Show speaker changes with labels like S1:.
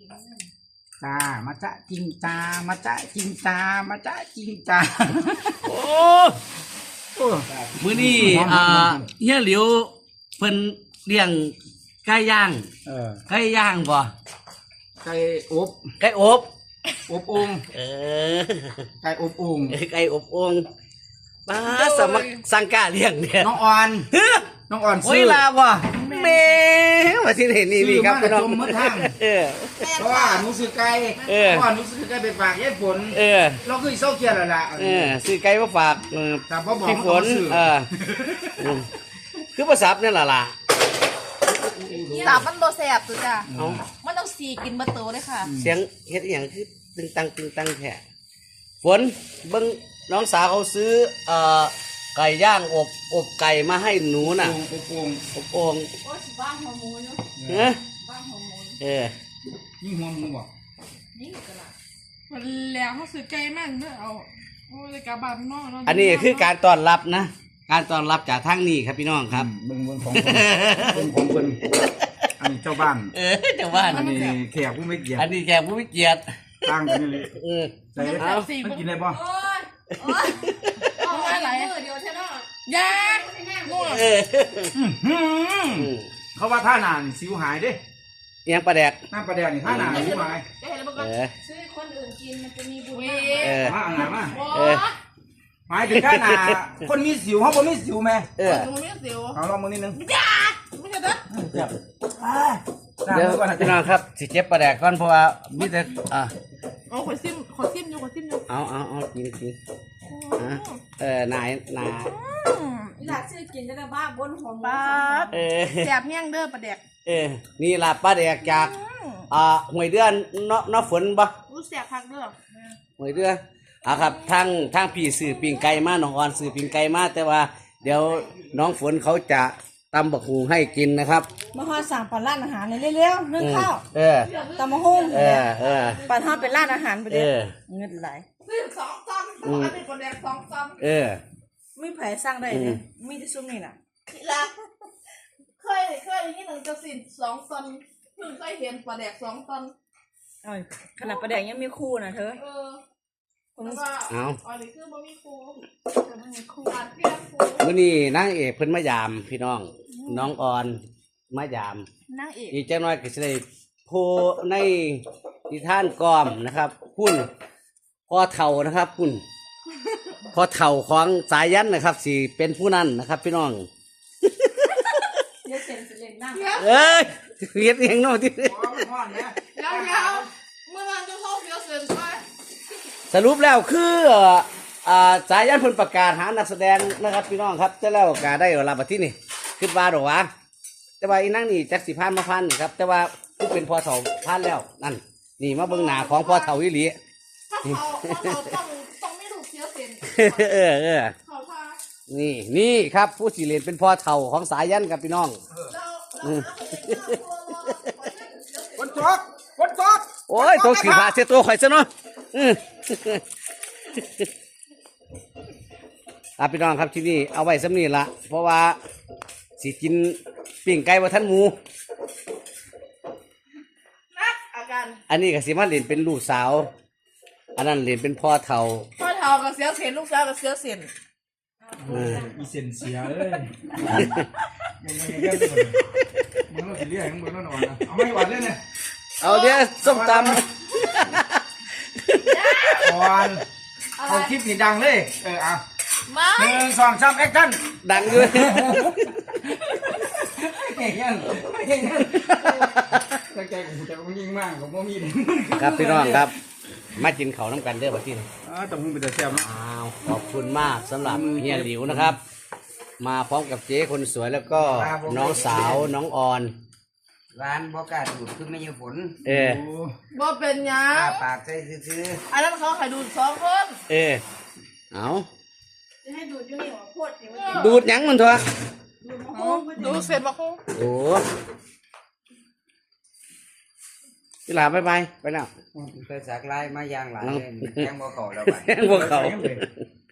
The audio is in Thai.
S1: จ้ามาจ้าจริงจ้ามาจ้าจริงจ้ามาจ้าจริงจ้า
S2: โอ้มื้อนี้เฮียหลิวเพิ่นเลี้ยงไก่ย่างไก่ย่างบ่
S1: ไก่อบ
S2: ไก่อบ
S1: อบโอ่งไก่อบโอ่ง
S2: ไก่อบโอ่งป้าสมัครสังกาเลี้ยงเนี่ย
S1: น้องอ่อนน้องอ่อน
S2: โอ้
S1: ซื้
S2: ย
S1: อ
S2: ลาบ่แม่ว่าสิเห็นนี่ครับพี่น้อง
S1: จมมือทางเพราะว่าหนูซื้อไก่เพราะว่าหนูซื้อไก่ไปฝากยายฝนเราคือเศร้าเกียร์แล้วล่ะ
S2: ซื้อไก่มาฝาก
S1: แต่พ่อบอก
S2: พี่ฝนคือภาษาเนี่ยล่ะ
S3: สามมันโบแสบตัวจ้ะมันต้องสีกินมาโตเลยค่ะ
S2: เสียงเฮ็ดอย่างคือตึงตังแท้ฝนเบิ่งน้องสาวเขาซื้อไก่ย่างอบไก่มาให้หนูน่ะ
S1: อบโอ่ง
S2: อบโอ่ง
S3: โอ้ยบ้านหัวหมูเนาะบ้านหัวหมู
S1: นี่หัวหมูบ่
S3: นี่กระไร
S4: มันแล้วเขาซื้อไก่มากเนอะเอาโอ้ยกระบาดนอก
S2: อันนี้คือการต้อนรับนะการต้อนรับจากทางนี้ครับพี่น้องครับ
S1: เบิ่งของเพิ่นอันนี้เจ้าบ้าน
S2: เจ้าบ้าน
S1: อันนี้แขกผู้ไม่เกียรติ
S2: อันนี้แขกผู้ไม่เกียรติ
S1: ตั้งกันนี่เลยใส่มันกินได้ป่ะ
S3: โอ้ยเอาอะไรเดียวใช่ไหม
S4: ยาง่วง
S1: เขาว่าท่าหนานสิวหายเด้
S2: ยังปลาแดก
S1: น้ำปลาแดกนี่ท่าหนานสิวหาย
S3: ซื้อคนอื่นกินมันจะมีบุญ
S1: มาอันไหนมาหมายถึงท่าหนาคนมีสิวเขาบ่มีสิวไหม
S3: หนูมีสิว
S1: เอาลองมือนิดนึง
S3: ไม่ใช่เด้อ
S2: เดี๋ยวพี่น้องครับสิเจ็บปลาแดกก่อนเพราะว่ามิแต่
S4: เอาขอซิมอยู่
S2: เอากินนาย
S3: อยากซื้อกินจะได้บ้าบนหัวบ้าแสบแห้งเด้อปลาแดก
S2: นี่ล่ะปลาแดกจากหวยเดือนน้อฝนบ่
S3: รู้แสบพักเด้อ
S2: หวยเดือนครับทางพี่สื่อปิ่งไก่มาน้องอ่อนสื่อปิ่งไก่มาแต่ว่าเดี๋ยวน้องฝนเขาจะตำบักหูให้กินนะครับ
S3: มาฮอดสั่งปั่นร้านอาหารเลยเร็วๆนึ่งข้าวตำมะฮุ่งปั่นฮอดเป็นร้านอาหารไปเลยเงินไหลซื้อ2 ตันอันนี้คนแดก2 ตันไม่ไผ่สร้างได้เลยมีที่ซุ้มนี่น่ะเคยนี่หนึ่งจะสิน2 ตันเพิ่งเคยเห็นปลาแดก2 ตันขนาดปลาแดกยังมีคู่นะเธอ
S2: เอา
S3: อันนี้คือบ่มีคู่
S2: มื้อนี้นางเอกเพิ่นมายามพี่น้องน้องอ่อนมายาม
S3: นางเอก
S2: อีกจังน้อยก็สิได้โพในนิทานกอมนะครับพุ่นพ่อเฒ่านะครับพุ่นพ่อเฒ่าของสายันนะครับสิเป็นผู้นั้นนะครับพี่น้อง
S3: เดี๋ยวเซ็นสิเล่นหน้า
S2: เฮ็ดเองเนาะที่
S3: เดี๋ยวเมื่อวานจะเข้าเดี๋ยวเซ็นไป
S2: สรุปแล้วคือสายันเพิ่นประกาศหานักแสดงนะครับพี่น้องครับจะแล้วกาได้รับบัดที่นี่คิดว่าดอกว่าแต่ว่าอีนั่งนี่จักสิผ่านมาผ่านนี่ครับแต่ว่าผู้เป็นพ่อเฒ่าผ่านแล้วนั่นนี่มาเบิ่งหน้าของพ่อเฒ่าอีหลี
S3: ต้องไม่ถูกเสียเซ็น
S2: นี่ครับผู้สิเล่นเป็นพ่อเฒ่าของสายันครับพี่น้อง
S1: คนจก
S2: โอ้ยตัวสีผ้าเสียตัวข่อยซะเนาะพี่น้องครับที่นี่เอาไว้สำนีละเพราะว่าสิกินปิ้งไก่ว่าท่านหมูอันนี้ก็สิมาเล่นเป็นลูกสาวอันนั้นเล่นเป็นพ่อเฒ่า
S3: กับเสียเซ็นลูกสาวกับเสียเซ็น
S1: มีเซ็นเสียเลยมึงต้องสิเรียกมึงต้องนอนนะเอาไม่หวานเลยเนี่ย
S2: เอาเดี๋ยวส้มตำ
S1: ก่อนเอาคลิปนี่ดังเลย
S3: มา
S1: 1 2 3แอคชั่น
S2: ดังด้วย
S1: ตั้งใจของจะยิ่งมากของพ่อมี
S2: ครับพี่น้องครับมากินเขาน้ำกันเด้อบัดนี้
S1: แต่มึงเป็นแต่แซ่บนะ
S2: ขอบคุณมากสำหรับเฮียหลิวนะครับ มาพร้อมกับเจ๊คนสวยแล้วก็น้องสาวน้องอ่อน
S1: ร้านบ่กล้าดูดคือไม่ยืมฝน
S3: บ่เป็นยัง
S1: ปากใจซื้อ
S3: อันนั้นเขาให้ดูด2 คน
S2: เอา
S3: จะให้ดูดอยู่นี่หัวโคตร
S2: ดูดยังมันเถอะ
S3: ดูเสร็จบ่คง
S2: โอ้พี่หลาไปแล้ว
S1: ไปสักลายมายางหลายแข้งบ่เข่าแล้วไป
S2: แข้งบ่เข่า